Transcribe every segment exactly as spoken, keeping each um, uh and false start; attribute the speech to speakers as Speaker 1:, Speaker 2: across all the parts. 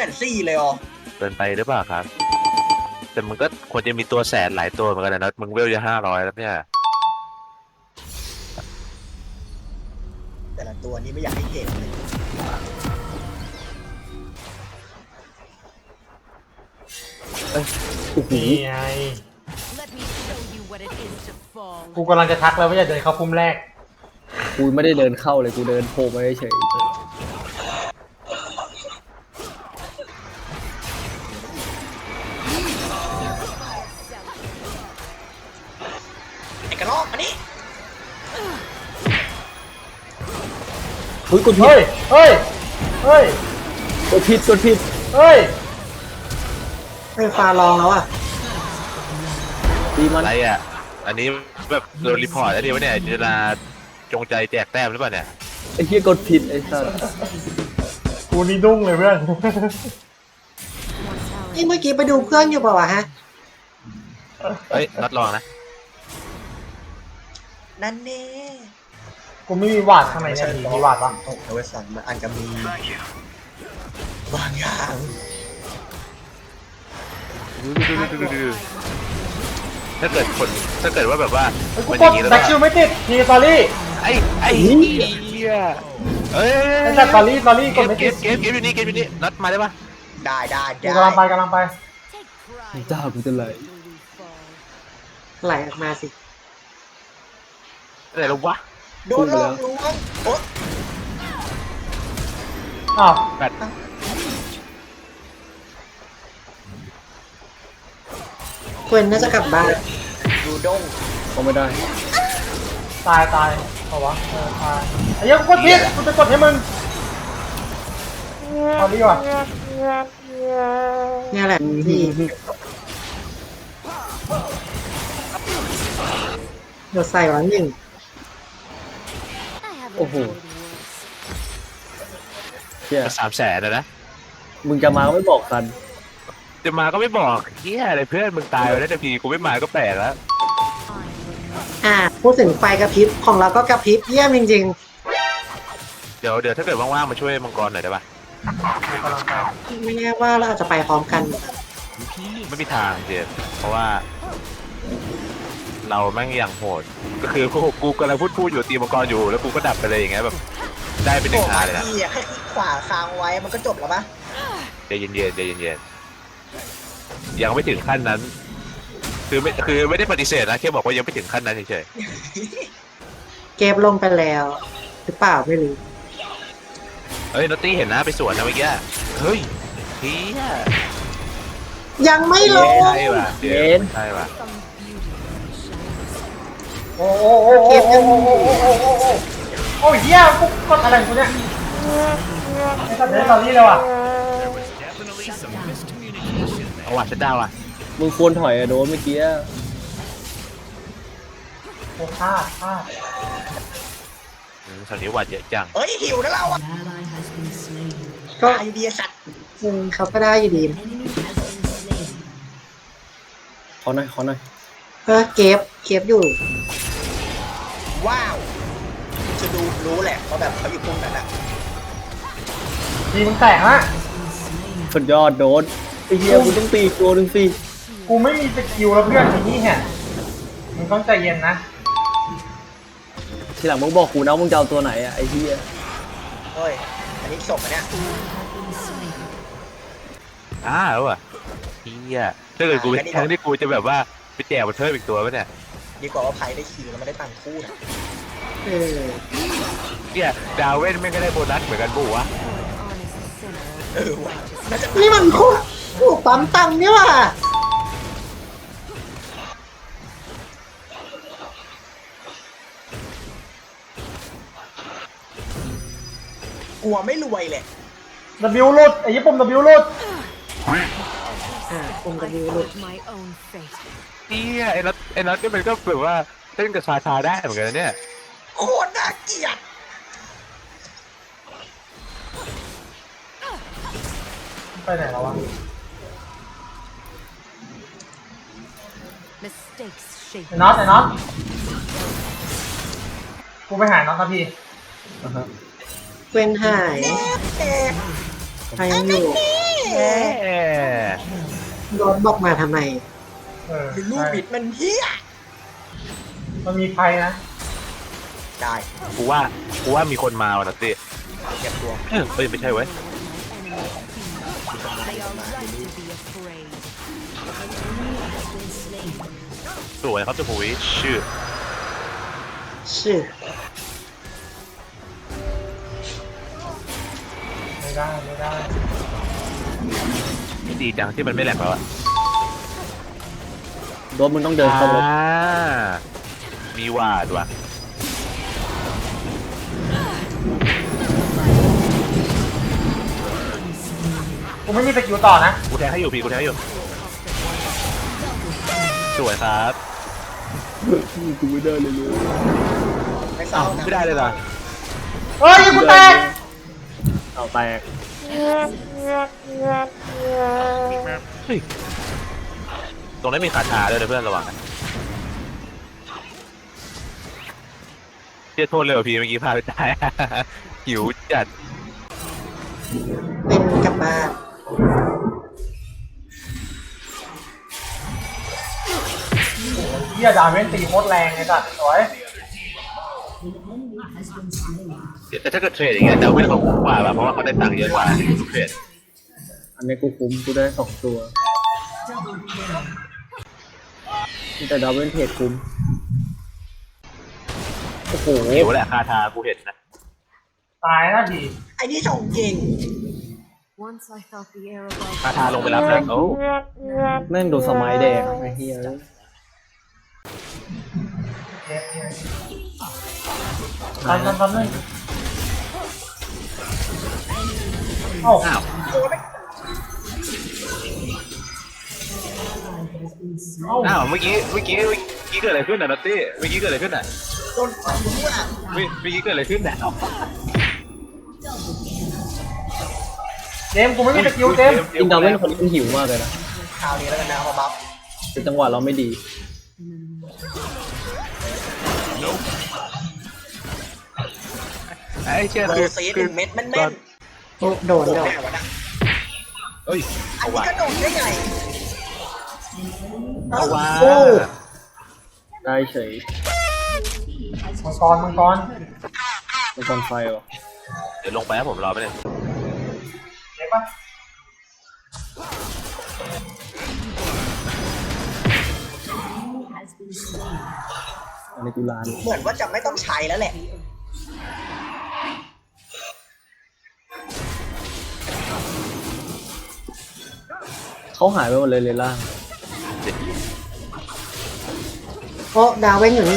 Speaker 1: นสี่เลยอ๋อ
Speaker 2: เกินไปหรือเปล่าครับแต่มึงก็ควรจะมีตัวแสนหลายตัวเหมือนกันนะมึงเวลจะห้าร้อยแล้วเนี่ย
Speaker 1: แต่ละตัวนี้ไม่อยากให้เห็นเลย
Speaker 3: นี่ไงกูกำลังจะทักแล้วว่าอย่าเดินเข้าพุ่มแรก
Speaker 4: กูไม่ได้เดินเข้าเลยกูเดินโผล่มาเฉย
Speaker 1: ไอ้กระรอกอันนี้
Speaker 4: เฮ้ยกดผิ
Speaker 3: เฮ้
Speaker 4: ด
Speaker 3: ยเฮ้ยเฮ้ย
Speaker 4: กดผิดกดผิด
Speaker 3: เฮ้ย
Speaker 1: ไฟฟ้าลองแล้วอ่ะ
Speaker 4: ตีมัน
Speaker 2: อะไรอ่ะอันนี้แบบโดนรีพอร์ตแล้วดีวะเนี่ยเวลาจงใจแจกแต้มหรือเปล่าเนี่ย
Speaker 4: ไอ้เหี้ยกดผิดไอ้สัส
Speaker 3: กูนี่ดุ้งเลยเพื่อน
Speaker 1: นี่เมื่อกี้ไปดูเพื่อนอยู่เปล่าวะฮะ
Speaker 2: เฮ้ยนัดลองนะ
Speaker 1: นั่นเน่
Speaker 3: กูไม่มีวาดข้างในเนี่ยมีวาดปะ
Speaker 1: โอ้เวสันมันอาจจะมีบางอย่าง
Speaker 2: ถ้าเกิดคนถ้าเกิดว่าแบบว่า
Speaker 3: กูกดแบ็คชิลไม่ติดทีสตอรี่
Speaker 2: ไอ้ไอ้เหี้ยเอ้ย
Speaker 3: ไอ้สตอรี่สตอรี่กดไม่
Speaker 2: เก
Speaker 3: ติด
Speaker 2: มเกมเกมอยู่นี่เกมอยู่นี่นัดมาได้ปะ
Speaker 1: ได้ได้
Speaker 3: กูกำลังไปกำลังไป
Speaker 4: จ้ากูจะไหล
Speaker 1: ไหลออกมาสิ
Speaker 2: อะไรแล้ววะ
Speaker 1: โดนลอกลวงโอ๊ะ
Speaker 3: อ้าว
Speaker 2: แบต
Speaker 1: ควนน่าจะกลับบ้านดูด้ง
Speaker 4: เขาไม่ได้
Speaker 3: ตายตายเอาวะเออตายไอ้ยังกดผิดกูจะกดให้มึงเอาดีกว่า
Speaker 1: เนี่ยแหละที่เดี๋ยวใส่วันหนึ่ง
Speaker 4: โอ้โหเชี่ย
Speaker 2: สามแสนนะนะ
Speaker 4: มึงจะมาก็ไม่บอกกัน
Speaker 2: จะมาก็ไม่บอกเฮียอะไรเพื่อนมึงตายไปแล้วแต่พีกูไม่มาก็แปลกแล้ว
Speaker 1: อ่าพูดถึงไฟกระพริบของเราก็กระพริบเยี่ยมจริง
Speaker 2: ๆเดี๋ยวเดี๋ยวถ้าเกิดว่างๆมาช่วยมังกรหน่อยได้ปะ
Speaker 1: ไม่แน่ว่าเราอาจจะไปพร้อมกัน
Speaker 2: ไม่มีทางเจนเพราะว่าเราแม่งอย่างโหดก็คือกูกูกำลังพูดพูดอยู่ตีมังกรอยู่แล้วกูก็ดับไปเลยอย่างเงี้ยแบบได้เป็นหนึ่งอาเลยนะ
Speaker 1: แค่คลิกขวาค้างไว้มันก็จบแล้วปะ
Speaker 2: ใจเย็นๆใจเย็นๆยังไม่ถึงขั้นนั้นคือไม่คือไม่ได้ปฏิเสธนะแค่บอกว่ายังไม่ถึงขั้นนั้นเฉย
Speaker 1: ๆเก็บลงไปแล้วหรือเปล่าไม่รู้
Speaker 2: เฮ้ยนอตตี้เห็นนะไปสวนนะเมื่อกี้เฮ้ยเฮีย
Speaker 1: ยังไม่ลง
Speaker 2: ใช่ป่ะเดี๋ยวใช่ป่ะ
Speaker 3: โอ้โอ้โอ้โอ้โอ้โอ้โอ้โอ้โอ้โอ้โอ้เหี้ยกูกดอะไรกูเนี่ยไอ้สัตว์เดนตอนนี้เลยว่ะ
Speaker 2: เอาว่ะฉันดาวอ่ะ
Speaker 4: มึงควรถอยอะโดนเมื่อกี้
Speaker 3: โอ้พลาดพลาด
Speaker 2: สันนิวัตเยอะจัง
Speaker 1: เฮ้ยหิวนะเราอ่ะก็ไอเดียสัตว์เขาก็ได้อยู่ดี
Speaker 4: ขอหน่อยขอหน่อย
Speaker 1: เออเก็บเก็บอยู่ว้าวจะดูรู้แหละว่าแบบเขาอยู่ตรงนั้นอ่ะ
Speaker 3: ทีมึงแตกฮะ
Speaker 4: สุดยอดโดนไอ้เหี้ยกูต้องตีตัวหนึ่งสิ
Speaker 3: กูไม่มีสกิลแล้วเพื่อนทีนี้เนี่ยมึงต้องใจเย็นนะ
Speaker 4: ทีหลังมึงบอกกูนะมึงจะเอาตัวไหนอะไอ้เหี้ย
Speaker 1: เฮ้ยอันนี้ศพเนี่ย
Speaker 2: อ้าแล้วอ่ะเฮียถ้าเกิดกูแทนที่กูจะแบบว่าไปแจกมาเพิ่มอีกตัวป่ะเนี่ย
Speaker 1: ดีกว่าว่าไพ่ได้คิวแล้วไม่ได้ตังคู่นะเออ
Speaker 2: เนี่ยดาวเว่นไม่ก็ได้โบนัสเหมือนกันปุ๊วะ
Speaker 1: เออว่ะนี่มันคู่คู่ปั๊มตังเนี่ยว่ะกลัวไม่รวยเลย
Speaker 3: W หลุดไอ้ญี่ปุ่น W หลุด
Speaker 1: อ่าปุ่ม W หลุด
Speaker 2: เฮียไอ้นัทไอ้นัทก็มันก็แบบว่าเต้นกับซาซาได้เหมือนกันเนี่ย
Speaker 1: โคตรน่าเกลียด
Speaker 3: ไปไหนแล้ววะไอ้น็อตไอ้น็อตกูไปหาน็อตนะพี่
Speaker 1: เป็นหายใครยังอยู่โดนบอกมาทำไม
Speaker 3: เออ
Speaker 1: คือลูกบิดมันเฮีย
Speaker 3: มันมีภัยนะ
Speaker 1: ได้
Speaker 2: กูว่ากูว่ามีคนมาว่ะนัตตี้
Speaker 1: เก็บตัว
Speaker 2: เอ้ยไม่ใช่เว้ย สวยครับเจ้าปุ๋ยชื่อ
Speaker 1: ชื่อ
Speaker 3: ไม่ได้ไม่ได้
Speaker 2: ดีจังที่มันไม่แหลกแล้วอะ
Speaker 4: โดนมึงต้องเดินเข้ารถ
Speaker 2: อ่ามีวาดว่ะ
Speaker 3: กูไม่มีสกิลต่อนะ
Speaker 2: กูแทงให้อยู่พี่กูแทงให้อยู่สวยครับ
Speaker 4: กูไม่ได้เลยเลย
Speaker 1: ไม่เศร้านะ
Speaker 2: ไม่ได้เลยเหรอ
Speaker 3: เฮ้ยกูแตก
Speaker 4: เอาแตก
Speaker 2: เฮ้ยตรงนั้นมีคาถาด้วยนะเพื่อนระวังนะเชี่ยโทษเลยว่ะพี่เมื่อกี้พาไปตาย หิวจัด
Speaker 1: เป็นกลับบ้าน
Speaker 3: เฮียดาเวนตีโคตรแรงไอ้สัสสวย
Speaker 2: แต่ถ้าเกิดเทรดอย่างเงี้ยดาวเวนเขาคุ้มกว่าแบบเพราะว่าเขาได้ตังค์เยอะกว่าเทรด
Speaker 4: อันนี้กูคุ้มกูได้สองตัวแต่ดาวเวนเทรดคุ้มโอ้โห
Speaker 2: หิวแหละคาถากูเห็นนะ
Speaker 3: ตายนะดี
Speaker 1: ไอ้นี่ส่งเก่ง
Speaker 5: Once I felt the air above
Speaker 2: คาถาลงไปรับแล้วโอ้
Speaker 4: แม่งโดนสมัยแดงไอ้เหี้ย
Speaker 3: เจ็บเจ็บทันทันทันเลยเอ้า
Speaker 2: อ้าว
Speaker 3: เอ้า
Speaker 2: อ้าวเมื่อกี้เมื่อกี้เมื่อกี้เกิดอะไรขึ้นอ่ะนัตตี้เมื่อกี้เกิดอะไรขึ้นอ่ะ
Speaker 1: โดนฟันกูด้วยอ่ะ
Speaker 2: เมื่อเมื่อกี้เกิดอะไรขึ้นอ่ะ
Speaker 3: เจมส์กูไม่มีสกิลเจมส์
Speaker 4: จริงดาวเวนคนนี้มันหิวมากเลยนะ
Speaker 1: คราวนี้แล้วกันนะเอามาบัฟ
Speaker 4: แต่จังหวะเราไม่ดี
Speaker 2: ไอ้เชี่ย
Speaker 1: โด
Speaker 2: คือน
Speaker 1: ซีดห
Speaker 2: คือ
Speaker 1: นึ่งเม็ดแม่นๆโอ้โดนโดน
Speaker 2: เอ้ย
Speaker 1: อัน
Speaker 2: เอา
Speaker 1: นี้
Speaker 2: วะ
Speaker 1: ก็โดนได้ไง
Speaker 2: เอาวะ
Speaker 1: โอ้
Speaker 4: ได้เฉย
Speaker 3: มังกรมังกร
Speaker 4: เป็นคนไฟวะ
Speaker 2: เดี๋ยวลงไปครับผมรอไปเลย
Speaker 3: เจ็บปะ
Speaker 4: อันนี้กูลาน
Speaker 1: เหมือนว่าจะไม่ต้องใช้แล้วแหละ
Speaker 4: เขาหายไปหมดเลยเลยล่าง
Speaker 1: เพราะดาวเว้นอยู่นี่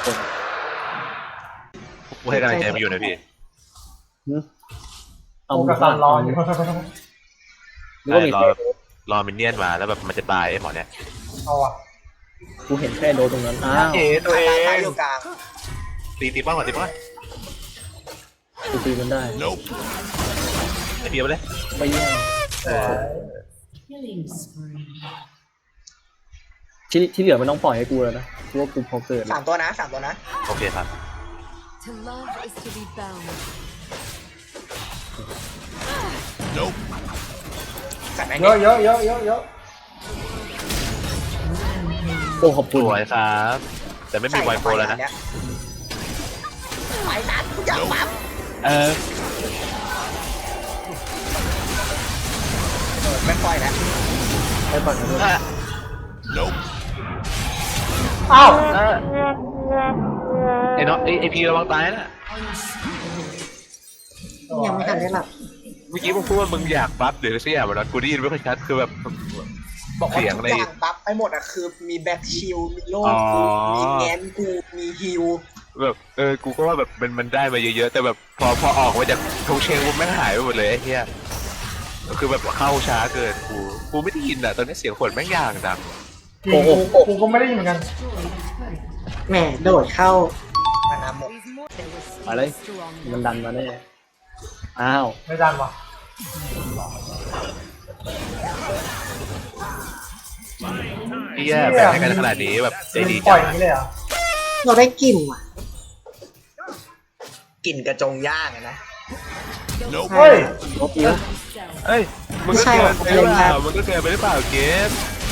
Speaker 2: กูให้กำลังใจมาอยู่นะพี่
Speaker 4: หึเอา
Speaker 3: กู
Speaker 4: มึง
Speaker 3: กระสั
Speaker 4: ผ่าน น
Speaker 3: ร
Speaker 4: ต
Speaker 3: อ
Speaker 4: อน
Speaker 3: อยู่
Speaker 4: นึกว่ามี
Speaker 2: รอ
Speaker 4: แค่
Speaker 2: รอมินเนี่ยนมาแล้วแบบมันจะตายไอ้หมอเนี่ย
Speaker 3: เอาอ่ะ
Speaker 4: กูเห็นแค่โดนตรงนั้น อ้าว
Speaker 2: เอ๋ตัวเอ
Speaker 1: ตาง ยอยู่กลาง
Speaker 2: ตีตีป้องก่อนตีป้องก่อน
Speaker 4: กูตีมันได้
Speaker 2: ไอ้เบียร์ไปเลย
Speaker 4: ไปแย่ง
Speaker 2: เออ
Speaker 5: killing spree.
Speaker 4: ที่ที่เหลือมันต้องปล่อยให้กูแล้วนะกูว่ากูพอเกิด
Speaker 1: สามตัวนะสามตัวนะ
Speaker 2: โอเคครับ
Speaker 5: To love is to be bound.
Speaker 1: จัดแม่ง
Speaker 3: เยอะเยอะเยอะเยอะเยอะ
Speaker 4: โอ้ขอบ
Speaker 2: ส
Speaker 4: คุณ
Speaker 2: วยครับ แต่ไม่มีไวโปรแล้วนะ
Speaker 1: ไปนัดกูอยากปั๊บ
Speaker 2: เออ
Speaker 1: เออไม่ปล่อยแล้ว
Speaker 4: ให้ปั่นกันด้วย
Speaker 3: เอ้า
Speaker 2: ไอ้น้องไอ้ไอ้พีระวังตายนะ
Speaker 1: ยังไม่ทันได้หลับ
Speaker 2: เมื่อกี้มึงพูดว่ามึงอยากปั๊บหรือสักอย่างแบบนั้นกูได้ยินไม่ค่อยชัดคือแบบ
Speaker 1: บอกว่า
Speaker 2: เสียง
Speaker 1: ทุก
Speaker 2: ใน
Speaker 1: อย่างปั๊บไปหมดอ่ะคือมีแบ็คชิลมีโล่
Speaker 2: อ๋อ
Speaker 1: กูมีแงนกูมีฮิล
Speaker 2: แบบเออกูก็ว่าแบบมันมันได้มาเยอะๆแต่แบบพอพอออกมาจากทงเชงกูแม่งหายไปหมดเลยไอ้เหี้ยคือแบบเข้าช้าเกินกูกูไม่ได้ยินอ่ะตอนนี้เสียงฝนแม่งอย่างดัง
Speaker 3: จริงกูกูก็ไม่ได้ยินเหมือนกัน
Speaker 1: แหมโดดเข้ามานาหมด
Speaker 5: These more there was
Speaker 4: ไปเลย
Speaker 5: strong.
Speaker 4: มันดันมาแน่อ้าว
Speaker 3: ไม่ดันว่ะ
Speaker 2: เหี้ยแบ่งให้กันขนาดนี้แบบใจดี
Speaker 3: ปล่
Speaker 2: จั
Speaker 3: อย
Speaker 2: ง
Speaker 3: อย่างนี้เลยเหรอ
Speaker 1: เราได้กลิ่นว่ะกลิ่นกระจงย่างอะนะ
Speaker 3: เฮ้ย
Speaker 4: ลบอีกแล้ว
Speaker 2: เอ้ยมึงก็เกินไปหรือเปล่ามึงก็เกินไปหรือเปล่าเกม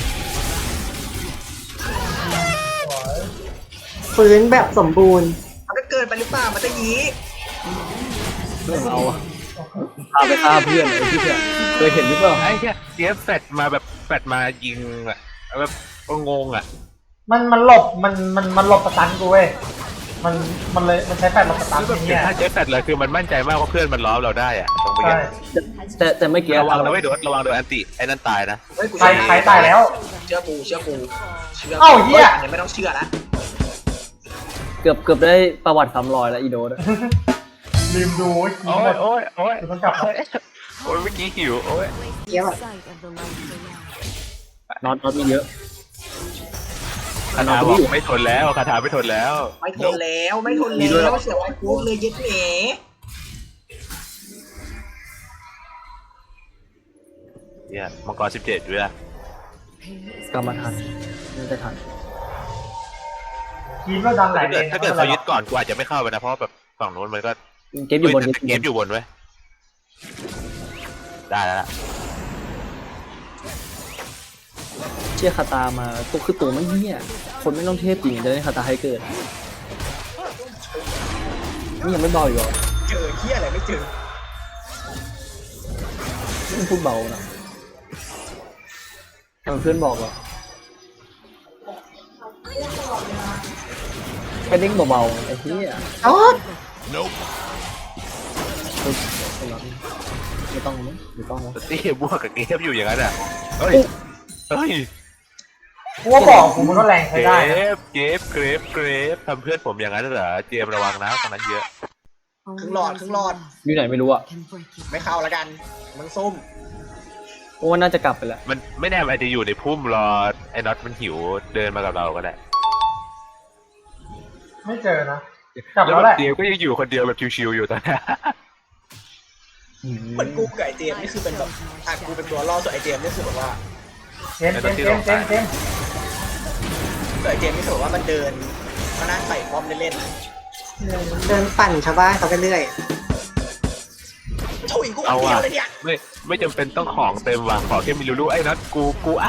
Speaker 6: ฟื้นแบบสมบูรณ์
Speaker 1: มันก็เกินไปหรือเปล่ามันจะยี้
Speaker 4: เรื่องเอาอะพาไปฆ่าเพื่อนไอ้ที่เนี่ยเคยเห็นหรือเปล่า
Speaker 2: ไอ้เหี้ยเกมแฟดมาแบบแฟดมายิงอะแบบงงอะ
Speaker 3: มันมันหลบมันมันมันหลบสตันกูเว้ยมันมันเลยมันใช้แฟลชหลบสตัน
Speaker 2: คือแบบ
Speaker 3: เนี่ย
Speaker 2: ถ้าเจ๊แฟดเลยคือมันมั่นใจมากว่าเพื่อนมันล้อมเราได้อะตรงไป
Speaker 3: ใช่
Speaker 4: แต่แต่ไม่เกี่ยว
Speaker 2: ระวังนะไม่โดนระวังโดนอันติไอ้นั่นตายนะ
Speaker 1: เฮ้ยกู
Speaker 3: ใครใครตายแล้ว
Speaker 1: เชื่อกูเชื่อกูเชื่อ
Speaker 3: เอ้าเหี้ย
Speaker 1: อันนี้ไม่ต้องเชื่อละ
Speaker 4: เกือบเกือบได้ประวัติซ้ำรอยแล้วอีโดดอะ
Speaker 3: ลืมดูไอ้
Speaker 2: โอ้
Speaker 3: แบ
Speaker 2: ย
Speaker 3: บ
Speaker 2: โอ้ยโอ้ย
Speaker 3: เดี๋ยวต้องกลับมา
Speaker 2: โอ้ยเมื่อกี้หิวโอ้ย
Speaker 5: Placed
Speaker 6: Yeah.
Speaker 5: in sight of the light below.
Speaker 4: น็อตน็อตมีเยอะ
Speaker 2: คาถาบอกไม่ทนแล้วคาถาไม่ทนแล้ว
Speaker 1: ไม่ทนแล้วไม่ทนแล้วเสียไอ้กูเลยยึดเหน
Speaker 2: เนี่ยมังกรสิบเจ็ดด้วย
Speaker 5: Pain is
Speaker 4: กลับมาทันน่าจะทัน
Speaker 3: ทีมเราดันหลาย
Speaker 2: ถ้า
Speaker 3: เล
Speaker 2: เกิด
Speaker 3: น
Speaker 2: ถ้าเกิดเขายึดก่อนกูอาจจะไม่เข้าไปนะเพราะว่าแบบฝั่งนู้นมันก็
Speaker 4: เกมอยู่บน
Speaker 2: เฮ้แต่เกมอยู่บนเว้ยได้แล้วล่ะ
Speaker 4: เชี่ยคาตามาตัวคือตัวไม่เหี้ยคนไม่ต้องเทพจริงจะได้คาตาให้เกิดนี่ยังไม่เบาอยู่หรอ
Speaker 1: เจอเฮียอะไรไม่เจอ
Speaker 4: นี่พูดเบานะทำเพื่อนบอกเหรอแค่เด้งเบาๆไอ้เหี้ย
Speaker 6: โอ๊ย
Speaker 4: ไม่ต้องมั้งไม่ต้องมั้ง
Speaker 2: ตีบวกกับเกมอยู่อย่างนั้นอ่ะเฮ้ยเฮ้ย
Speaker 3: กูว่าบอกกูมันก็แรงใช้
Speaker 2: เก
Speaker 3: ได้นะ
Speaker 2: ฟเกฟเกรฟเกรฟทำเพื่อนผมอย่างนั้นเหรอเจมระวังนะตอนนั้นเยอะ
Speaker 1: ครึ่งหลอดครึ่งหลอด
Speaker 4: อยู่ไหนไม่รู้อ่ะ
Speaker 5: can break you.
Speaker 1: ไม่เข้าแล้วกันมึงซุ่ม
Speaker 4: เพราะว่าน่าจะกลับไปแล้ว
Speaker 2: มันไม่แน่มันอาจจะอยู่ในพุ่มรอไอ้น็อตมันหิวเดินมากับเราก็ได้
Speaker 3: ไม่เจอนะกลับ
Speaker 2: แล้ว
Speaker 3: แล้ว
Speaker 2: แบ
Speaker 3: แห
Speaker 2: บ
Speaker 3: ละ
Speaker 2: เจมก็ยังอยู่คนเดียวแบบชิวๆอยู่ตอนนี้
Speaker 1: เหมือนกูกับไอเจมส์นี่คือเป็นแบบอ่ะกูเป็นตัวล่อส่วนไอเจมส์นี่คือแบบว่า
Speaker 3: เจมส์เจมส์เจมส์เจมส์เจมส์
Speaker 1: ส่วนไอเจมส์นี่คือแบบว่ามันเดินมานั่งใส่ป้อมเล่น
Speaker 6: เดินปั่นชาวบ้านเขาไปเรื่อย
Speaker 1: ๆถุยกูอั
Speaker 2: เอา
Speaker 1: นเดี
Speaker 2: ว่ะ
Speaker 1: ยวเลยเนี่ย
Speaker 2: ไม่ไม่จำเป็นต้องของเต็มว่ะขอแค่มีรูๆไอ้น็อตกูกูอ่ะ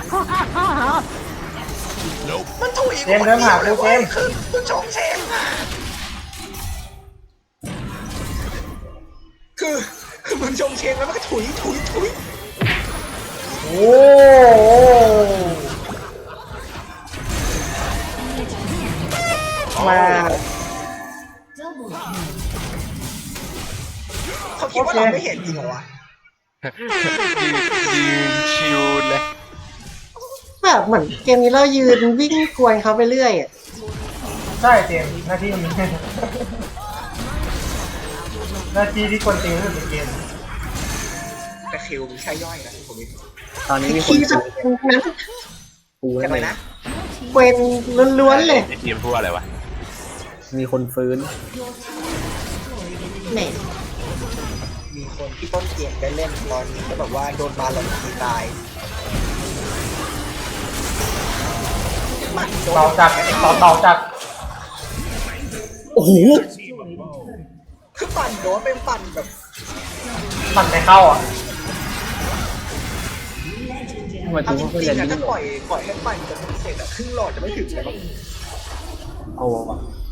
Speaker 1: มันถุย
Speaker 3: เจ
Speaker 1: กู
Speaker 3: มส์
Speaker 1: อัน
Speaker 3: เดิน
Speaker 1: เดี
Speaker 3: หา
Speaker 1: ยวเล
Speaker 3: กู
Speaker 1: ย
Speaker 3: เจ
Speaker 1: เว้ย
Speaker 3: มส์
Speaker 1: คือคือชงเชงอ่ะคือคือมึงชงเชงแล้วมันก็ถุยถุยถุย
Speaker 3: โอ้
Speaker 6: มา
Speaker 1: เขาคิดว่าเราไม่เห็นจริงเหรอวะ
Speaker 2: ยืนยืนชิวเลย
Speaker 6: แบบเหมือนเกมนี้เรายืนวิ่งกวนเขาไปเรื่อยอะ
Speaker 3: ใช่เจมส์หน้าที่มันมีหน้าที่ที่คนตีเรื่องในเกม
Speaker 1: แต่คิวมีแค่ย่อยนะผมมี
Speaker 4: ตอนนี้มีคน
Speaker 6: คีย์จะเป็นนั้น
Speaker 4: กู
Speaker 1: ใช่
Speaker 4: แล้ว
Speaker 1: ไหม
Speaker 4: ไง
Speaker 1: นะ
Speaker 6: เกวนล้วนๆเลย
Speaker 2: ไอ้ทีมพูดอะไรวะ
Speaker 4: มีคนฟื้น
Speaker 6: แหม่
Speaker 1: มีคนที่ต้นเกมได้เล่นตอนนี้ก็แบบว่าโดนบาลอนตีตายมันโดน
Speaker 3: เบาจัดเบาเบาจัด
Speaker 4: โอ้โห
Speaker 1: คือปั่นโดนเป็นปั่นแบบ
Speaker 3: มันไม่เข้าอ่ะ
Speaker 4: ทำไมถึ
Speaker 1: เอา
Speaker 4: ง
Speaker 1: จ
Speaker 4: ว่าเขา
Speaker 1: ริ
Speaker 4: เรีย
Speaker 1: ง
Speaker 4: น
Speaker 1: ๆอะ
Speaker 4: นี่
Speaker 1: ถ้า
Speaker 4: หร
Speaker 1: ปล่
Speaker 4: อ
Speaker 1: อยปล่อยให้ปั่นจนเสร็จอะครึ่งหลอดจะไม่ถึงเลยมั้ง
Speaker 4: เอาวะ